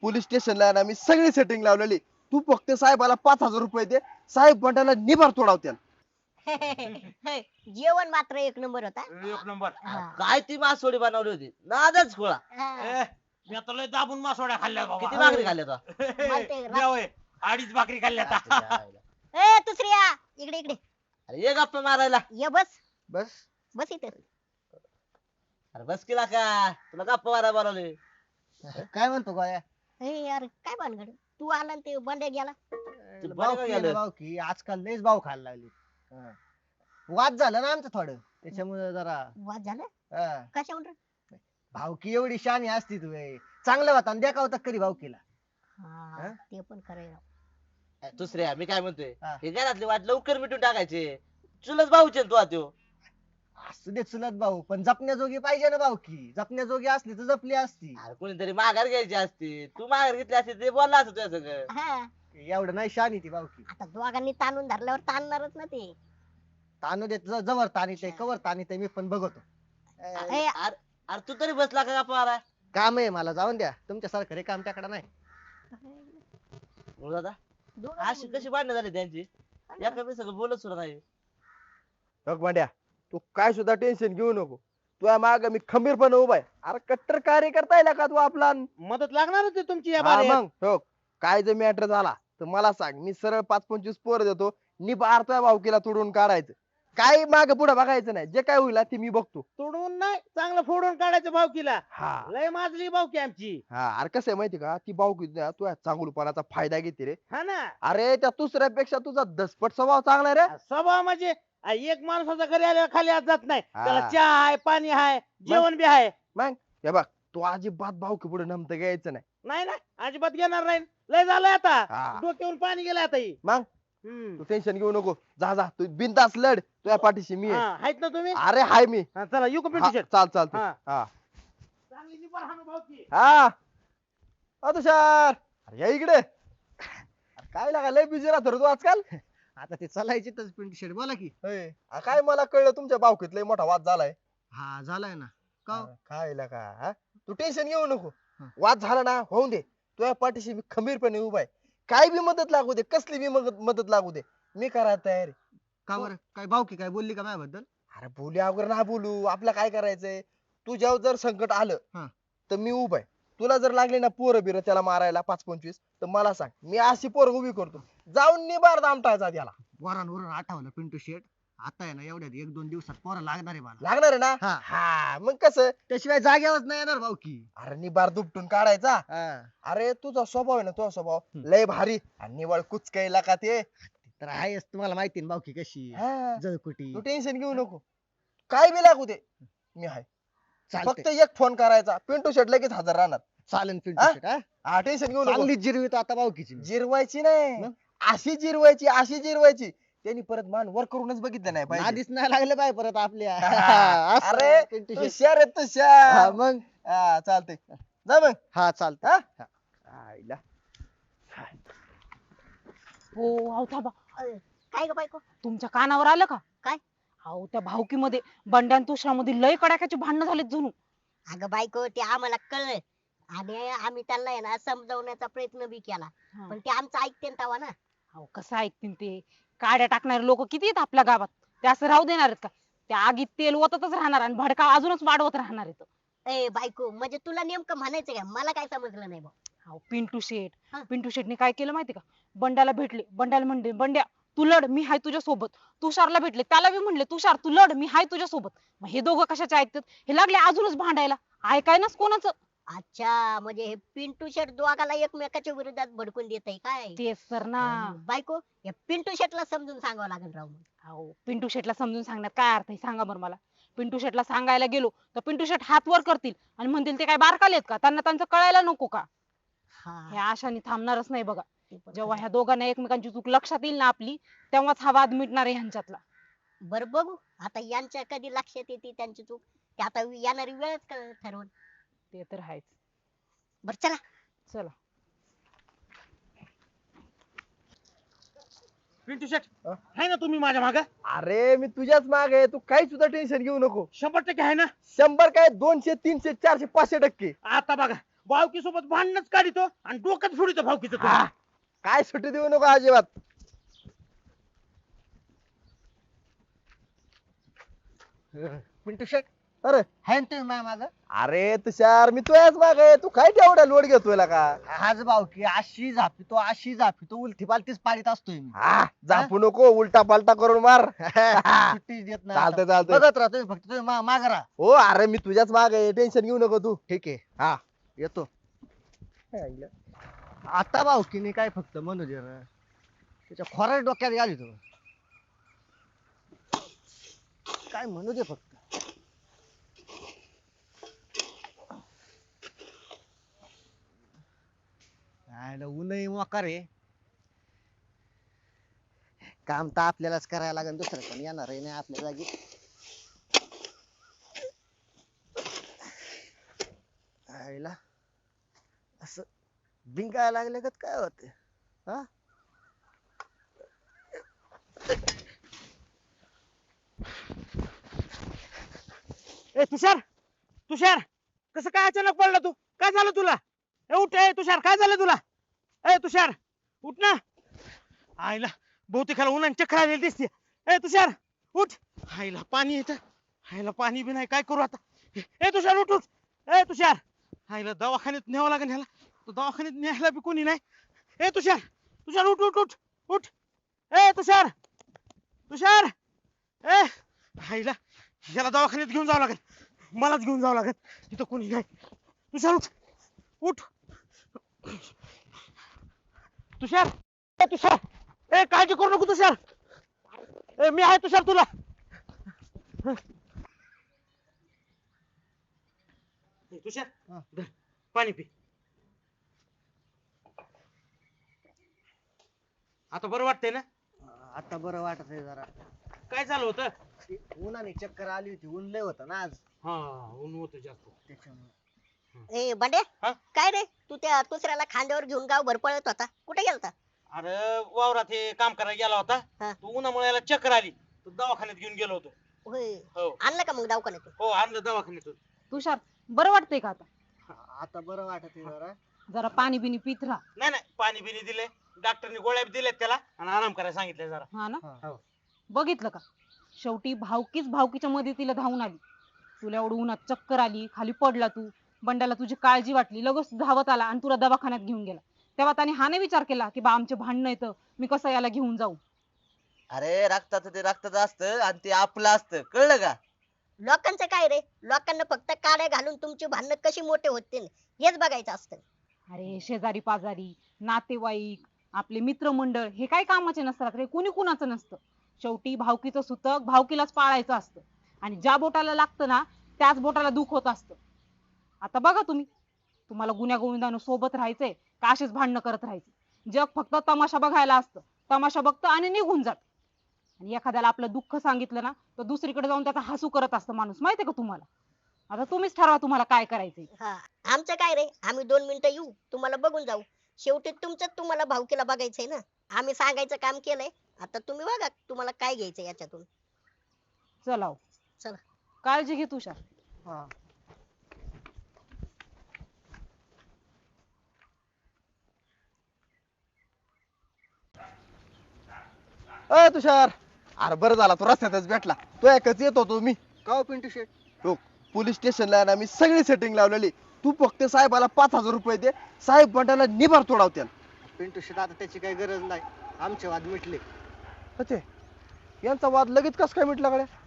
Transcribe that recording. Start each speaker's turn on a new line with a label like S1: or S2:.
S1: Police स्टेशनला ना मी सगळी सेटिंग लावलेली. तू फक्त साहेबाला 5,000 रुपये दे, साहेब बंड्याला निभार तोडावत्या.
S2: जेवण मात्र एक नंबर होता.
S3: एक नंबर.
S2: हा.
S4: काय ती मासवडी बनवली होती नादच खोळा.
S2: हा.
S3: मी आता लय दाबून मासोड्या खाल्ल्या बाबा.
S4: किती भाकरी खाल्ल्या तो?
S2: माहितीये का?
S3: होय, 2.5 भाकरी खाल्ल्या आता.
S2: ए दुसऱ्या इकडे इकडे
S4: अरे ये गप्पा मारायला.
S2: ये बस
S1: बस
S2: बस इथे.
S4: अरे बस केला का तुला गप्पा मारायला बोलावले.
S5: काय म्हणतो गोळ्या?
S2: ए यार काय भानगड तू आला आणि ते बंड्या गेला.
S5: भाऊ की
S4: गेलं?
S5: भाऊ की आजकाल लयच भाव खायला लागली. हा. वाद झालं ना आमचं थोडं त्याच्यामुळे जरा
S2: वाद झाला
S5: हा.
S2: कशावर?
S5: भावकी एवढी शानी असती तू चांगलं होता आणि देखावता करी भावकीला.
S2: हा ते पण खरंय राव.
S4: दुसऱ्या मी काय म्हणतोय
S5: हा.
S4: हे घरातली वाट लवकर मिटून टाकायचे. चुलत भाऊचे ना तू त्यो.
S5: असू दे चुलत भाऊ पण जपण्याजोगी पाहिजे ना भावकी. जपण्याजोगी असली तर जपली असती.
S4: अरे कोणीतरी माघार घ्यायची असती. तू माघार घेतली असती ते बोलला असत तुझ्या सगळं.
S2: हा
S5: एवढं नाही शानी ती भावकी.
S2: आता दोघांनी ताणून धरल्यावर ताणणारच ना ते.
S5: तानू देत जवळ तानीत आहे कवर तानीत आहे मी पण बघतो.
S2: ए,
S4: अरे तू तरी बसला का गप्पा मारा.
S5: काम आहे मला जाऊन द्या तुमच्यासारखं रे काम त्याकडे नाही.
S4: दादा
S2: दोघं
S4: अशी कशी भांडणं झाली त्यांची. एका सगळं बोलत सुद्धा नाही.
S1: बघ बंड्या, तू काय सुद्धा टेन्शन घेऊ नको. तुझ्या माग मी खंबीरपणे उभा आहे. अरे कट्टर कार्यकर्ता आहे का तू आपला.
S3: मदत लागणार होती तुमची या
S1: हा
S3: बारेत.
S1: मग हो, काय जर मॅटर झाला तर मला सांग, मी सरळ 5-25 पोर देतो. निभार तुझ्या भावकीला तोडून काढायचं. काय माग पुढे बघायचं नाही. जे काय होईल ते मी बघतो.
S3: तोडून नाही चांगलं फोडून काढायचं भावकीला.
S1: हा
S3: लय माजली भावकी आमची.
S1: हा अरे कसं आहे माहिती का, ती भावकी ना तुझ्या चांगुलपणाचा फायदा घेते रे.
S3: हा ना.
S1: अरे त्या दुसऱ्यापेक्षा तुझा दसपट स्वभाव चांगला आहे रे.
S3: स्वभाव म्हणजे एक माणसाचा घरी आल्यावर खाली आज जात नाही.
S1: हा.
S3: त्याला चहा आहे पाणी आहे जेवण बी आहे.
S1: मग हे बघ, तू अजिबात भावकी पुढे नमतं घ्यायचं नाही.
S3: नाही ना अजिबात घेणार नाही. लय झालंय आता.
S1: हा.
S3: डोक्यावरून पाणी गेलं आता ही.
S1: मग तू टेन्शन घेऊ नको. जा जा तू बिनधास्त लढ. तुझ्या पाठीशी मी आहे.
S3: आहेत ना तुम्ही.
S1: अरे हाय मी.
S3: हा, चला येऊ का
S1: हा,
S3: पिंटू शेट.
S1: चाल चालतंय.
S3: हा.
S1: हा
S3: चांगली निभार हाणू भावकी.
S1: हा तुषार, अरे या इकडे. अरे काय लागा लय बिझी राहतो रे तू आजकाल.
S5: आता ते चालायचे तर पिंटू शेट बोला की.
S1: होय. काय मला कळलं तुमच्या भावकीत लय मोठा वाद झालाय.
S5: हा झालाय ना. का हो?
S1: काय लागा हा? तू टेन्शन घेऊ नको.
S5: हा.
S1: वाद झाला ना होऊन दे. तुझ्या पाठीशी मी खंबीरपणे उभा आहे. काय बी मदत लागू दे, कसली बी मदत लागू दे, मी करायला तयार आहे.
S5: का बरं काय भावकी काय बोलली का माझ्याबद्दल?
S1: अरे बोलू अगर ना बोलू, आपलं काय करायचंय. तुझ्यावर जर संकट आलं
S5: हा.
S1: तर मी उभा आहे. तुला जर लागले ना पोरं बिरं त्याला मारायला 5-25 तर मला सांग, मी अशी पोरं उभी करतो. जाऊन निबार दामटायचा त्याला.
S5: वरून आठवलं पिंटू शेट. आता आहे ना एवढ्यात 1-2 दिवसात पोरं लागणार आहे मला.
S1: लागणार आहे ना.
S5: हा.
S1: हा मग कसं.
S5: त्याशिवाय जागेवरच नाही येणार भावकी.
S1: अरे निबार दुपटून काढायचा.
S5: हा.
S1: अरे तुझा स्वभाव आहे ना, तुझा स्वभाव
S5: हम्म.
S1: लय भारी आणि निवळ कुचकायला का ते.
S5: तर आहेच तुम्हाला माहिती ना भावकी कशी
S1: हा.
S5: जळकुटी.
S1: तू टेन्शन घेऊ नको. काय बी लागू दे मी आहे. फक्त
S5: चालतंय.
S1: एक फोन करायचा, पिंटू शेट लगेच हजर राहणार.
S5: चालेल
S1: हा?
S5: पिंटू शेट. हा?
S1: हा टेन्शन घेऊ नको.
S5: चांगली जिरवीत आता भावकीची.
S1: जिरवायची नाही,
S5: मग?
S1: अशी जिरवायची अशी जिरवायची. त्यांनी परत मान वर करूनच बघितलं नाही पाहिजे.
S5: आधीच नाही लागले पाहिजे परत आपल्या. असं
S1: अरे
S5: पिंटू शेट.
S1: तुषार आहे
S5: हा,
S1: तुषार.
S5: मग
S1: हा चालतंय. जा मग.
S5: हा चालतंय.
S1: हा? आईला.
S6: हो अहो थांबा,
S2: काय ग बायको?
S6: तुमच्या कानावर आलं का?
S2: काय?
S6: अहो त्या भावकीमध्ये बंड्या आणि तुषारामध्ये लय कडाक्याची भांडणं झालीत जणू.
S2: अगं बायको ते आम्हाला कळलं आणि आम्ही त्यांना आहे ना समजावण्याचा प्रयत्न बी केला.
S6: हा.
S2: पण ते आमचं ऐकते तवा ना.
S6: अहो कसं ऐकतील ते. काड्या टाकणारे लोक किती आहेत आपल्या गावात. ते असं राहू देणार आहेत का? त्या आगीत तेल ओततच राहणार आणि भडका अजूनच वाढवत राहणार आहेत.
S2: ए बायको म्हणजे तुला नेमकं म्हणायचं काय? मला काय समजलं नाही बा.
S6: अहो पिंटू शेठ,
S2: हा.
S6: पिंटू शेठने काय केलं माहिती का? बंड्याला भेटले, बंड्याला म्हणले बंड्या तू लढ मी हाय तुझ्या सोबत. तुषारला भेटले, त्याला बी म्हणले तुषार तू लढ मी हाय तुझ्या सोबत. मग हे दोघं कशाचे ऐकतात? हे लागले अजूनच भांडायला. ऐकायनाच कोणाचं.
S2: अच्छा म्हणजे हे पिंटू शेट दोघाला एकमेकाच्या विरोधात भडकून देत आहे काय?
S6: तेच तर ना.
S2: बायको या पिंटू शेटला समजून सांगावं लागेल राव मग.
S6: अहो पिंटू शेटला समजून सांगण्यात काय अर्थ आहे सांगा बरं मला. पिंटू शेटला सांगायला गेलो तर पिंटू शेट हात वर करतील आणि म्हणतील ते काय बारकाले आहेत का? त्यांना त्यांचं कळायला नको का? हे
S2: हा
S6: आशाने थांबणारच नाही बघा.
S2: ते पण
S6: जेव्हा
S2: खरं.
S6: ह्या दोघांना एकमेकांची चूक लक्षात येईल ना आपली, तेव्हाच हा वाद मिटणार आहे ह्यांच्यातला.
S2: बरं बघू आता यांच्या कधी लक्षात येते त्यांची चूक. ते आता येणारी वेळच ठरवून.
S6: ते तर आहेच.
S2: बरं चला.
S6: चला.
S3: पिंटू शेट आहे ना तुम्ही माझ्या माग.
S1: अरे मी तुझ्याच माग आहे. तू काही सुद्धा टेन्शन घेऊ नको.
S3: 100% आहे ना.
S1: 100 काय 200 300 400 500%.
S3: आता बघा भावकी सोबत भांडणच काढितो आणि डोक्यात फोडितो भावकीचं तू.
S1: हा, काय सुट्टी देऊ नको अजिबात.
S5: पिंटू शेट
S1: अरे
S5: हाय ना तुम्ही माझ्या मागं?
S1: अरे तुषार मी तुझ्याच माग आहे, तू काय तेवढा लोड घेतोय का?
S5: हाच भाऊ की अशी झापितो उलटी पालटीच पाडीत असतोय मी.
S1: हा झापू नको, उलटा पालटा करून मार.
S5: सुट्टी देत नाही
S1: चालतंय
S5: आता.
S1: चालतंय.
S5: बघत राहा तुम्ही, फक्त तुम्ही मागं राहा.
S1: हो अरे मी तुझ्याच माग आहे, टेन्शन घेऊ नको तू.
S5: ठीक आहे
S1: हा
S5: येतो. आता भाऊकीने काय फक्त म्हणू दे ना, त्याच्या खोऱ्या डोक्यात गेली तो. काय म्हणू दे फक्त. ऊनही मोकार आहे. काम तर आपल्यालाच करायला लागेल, दुसरं पण येणार आहे नाही आपल्या जागी. आईला असं बिंगायला लागले का काय होते? हा
S3: ए तुषार, तुषार कसं काय अचानक पडला तू? काय झालं तुला? ए उठ, ए तुषार काय झालं तुला? ए तुषार उठ ना. आईला बहुतेकाला उन्हाने चक्कर आलेली दिसते. ए तुषार उठ. आईला पाणी येतं. आईला पाणी बी नाही, काय करू आता? ए तुषार उठ उठ. ए तुषार, आईला दवाखान्यात न्यावं लागेल ह्याला. तो दवाखान्यात न्यायला बी कोणी नाही. ए तुषार, तुषार उठ उठ उठ उठ. ए तुषार, तुषार. ए आईला ह्याला दवाखान्यात घेऊन जावं लागेल. मलाच घेऊन जावं लागेल, तिथं कोणी नाही. तुषार उठ उठ. तुषार, ए तुषार, ए काळजी करू नको तुषार. ए मी आहे तुषार तुला. ए, तुषार धर, पाणी पी. आता बरं वाटतंय ना?
S5: आता बरं वाटत आहे जरा.
S3: काय झालं होतं?
S5: ते उन्हाने चक्कर आली होती, ऊन लय होतं ना आज
S3: हा ऊन होतं जास्त.
S5: त्याच्यामुळे.
S2: ए बंडे,
S3: हा?
S2: काय रे तू त्या दुसऱ्याला खांद्यावर घेऊन गावभर पळत होता, कुठे गेलता?
S3: अरे वावरात हे काम करायला गेला होता.
S2: हा.
S3: तो उन्हामुळे याला चक्कर आली, तो दवाखान्यात घेऊन गेलो होतो.
S2: होय,
S3: हो
S2: आणलं का मग दवाखान्यातून?
S3: हो आणलं दवाखान्यातून.
S6: तुषार बरं वाटतंय का आता?
S5: आता बरं वाटत आहे जरा.
S6: जरा पाणी बिनी पित राहा.
S3: नाही नाही पाणी बिनी दिले, डॉक्टरने गोळ्या बी दिल्यात त्याला आणि आराम करायला सांगितलं जरा.
S6: हा ना,
S5: हा.
S6: बघितलं का? शेवटी भावकीच भावकीच्या मदतीला धावून आली. तुला एवढं उन्हात चक्कर आली, खाली पडला तू, बंडाला तुझी काळजी वाटली, लगेच धावत आला आणि तुला दवाखान्यात घेऊन गेला. तेव्हा त्याने हा नाही विचार केला की बा आमचे भांडणं येतं, मी कसं याला घेऊन जाऊ?
S4: अरे रक्ताचं ते रक्ताचं असतं आणि ते आपलं असतं, कळलं का?
S2: लोकांचं काय रे, लोकांना फक्त काड्या घालून तुमची भांडणं कशी मोठे होतील हेच बघायचं असतं.
S6: अरे शेजारी पाजारी, नातेवाईक, आपले मित्रमंडळ हे काय कामाचे नसतात रे, कुणी कुणाचं नसतं. शेवटी भावकीचं सुतक भावकीलाच पाळायचं असतं आणि ज्या बोटाला लागतं ना त्याच बोटाला दुख होत असतं. आता बघा तुम्ही, तुम्हाला गुन्ह्या गोविंदानं सोबत राहायचंय का असेच भांडणं करत राहायचे? जग फक्त तमाशा बघायला असतं, तमाशा बघतं आणि निघून जात. आणि एखाद्याला आपलं दुःख सांगितलं ना तर दुसरीकडे जाऊन त्याचा हसू करत असतं माणूस, माहितीये का तुम्हाला? आता तुम्हीच ठरवा तुम्हाला काय करायचंय.
S2: हा, आमचं काय रे, आम्ही 2 मिनिटं येऊ, तुम्हाला बघून जाऊ. शेवटी तुमचं तुम्हाला भावकीला बघायचंय ना, आम्ही सांगायचं काम केलंय. आता तुम्ही बघा तुम्हाला काय घ्यायचं याच्यातून.
S6: चला हो.
S2: चला.
S6: काळजी घे तुषार.
S5: हा.
S1: अ तुषार, अरे बरं झाला तू रस्त्यातच भेटला. तो एकच येत होतो मी.
S5: का हो पिंटू शेट?
S1: हो, पोलीस स्टेशनला ना मी सगळी सेटिंग लावलेली. तू फक्त साहेबाला 5,000 रुपये दे, साहेब बंडाला निभार तोडावत्याल.
S5: पिंटू शेट आता त्याची काही गरज नाही, आमचे वाद मिटले.
S1: अच्छा, यांचा वाद लगेच कस काय मिटला गड्या?